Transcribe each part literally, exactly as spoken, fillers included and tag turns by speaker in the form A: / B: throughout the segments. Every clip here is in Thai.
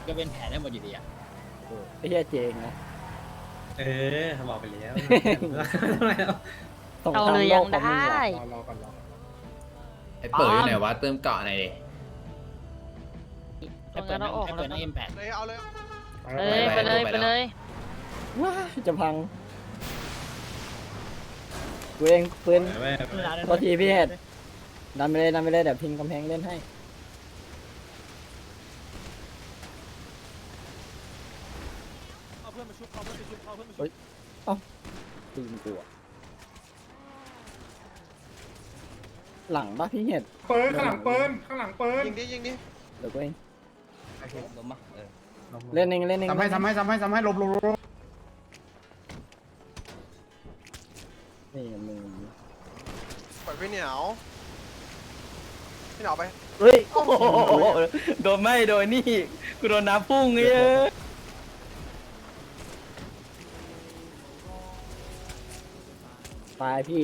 A: ก็เป็นแผลได้หมดอยู่ดีอ่ะ
B: ไอ้เหี้ยเจงนะ
C: เออบอกไปแล้ว
B: ส่ง
D: เอา
B: ตาม
D: เลย
B: โล
D: ยั
B: ก
D: ง
B: คนนึง
D: ได้
B: รอรอก่อนรอ
E: ไอ้เปิดอยู่ไหนวะเติมเกาะหน่อยดิ
D: ตรงนั้นเราออก
A: ให้
D: แล้
A: เปิ
D: ว
A: ดนั่งเอ็มแปด
F: เลยเอาเลย
D: เอ้ยไปเลยไปเลย
B: ว้าจะพังกูเองปืนโทษทีพี่เห็ดดันไปเลยดันไปเลยเดี๋ยวพิงกำแพงเล่นให้เฮ้ยเอ้าปืนกูอะหลังปะพี่เห็ด
G: เปินข้างหลังเปินข้างหลังเปิน
F: ยิงดิยิงดิ
B: เดี๋ยวกูเอง
A: ล้มปะเออ
B: เล่นเองเล่นเอง
G: ทำให้ทำให้ทำให้ทำให้ลบลบลบ
B: นี่มึง
F: ปล่อยพี่เหนียวพี่เหนียวไป
B: เฮ้ยโอ้โหโดนไม่โดนนี่กูโดนน้ำพุ่งเงี้ยตายพี่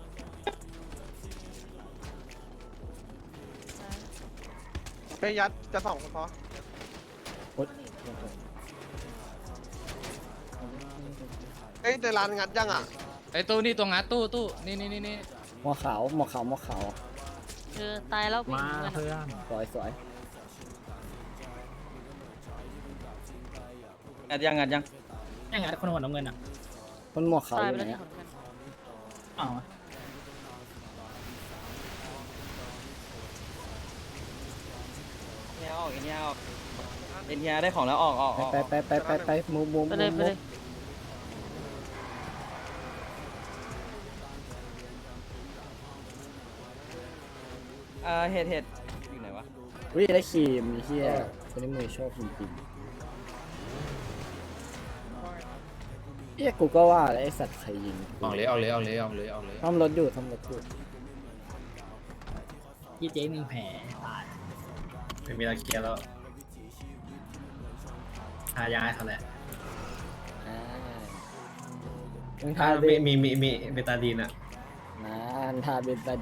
F: ไปยัดจะสองคนพอ
B: โอ๊ย
F: เอ้ยเดลานงัดยังอ่ะ
A: ไอ้ตู้นี่ตัวงัดตู้ตู้นี่นี่นี่นี่
B: หมอขาวหมอขาวหมอขาว
D: เออตายแล้วพี่เพื่อน
B: สวยสวย
H: งัดยังงัดยัง
A: ยังงัดคนหัวน้ำเงินอ่ะ
B: คนหมวกขาว
D: ตาย
B: อ
D: ไป
B: ยู่ไหน
D: แล้วที่
B: อะ
D: ขอนแก่น
A: อ๋อ
H: เนียออกเนียออกเนียได้ของแล้วออกออกออก
B: ไปไปไปไปไปมูมู
D: ไป
B: มู
D: เลยไป
B: มู
D: เลย
H: อ่าเห็ดเห็ดอยู่ไหนวะ
B: วิ่งได้ครีมไอ้เฮียคนนี้มือโชคจริงๆเฮียกูก็ว่าแล้วไอสัตว์ใครยิง
E: ออกเลยออกเลยออกเลยออกเลยออกเลย
B: ซ่อมรถอยู่ซ่อมรถอยู่
A: ยี่เจ๊หนึ่งแผลตาย
C: ไม่มีอะไรเคลียร์แล้วทายาให้เขาแหละ
B: อ่ามึง
C: ถ้า
B: ทาเบ
C: มี
B: น
C: มีมีมีเบตาดีนอ่ะ
B: นะทาเบนตา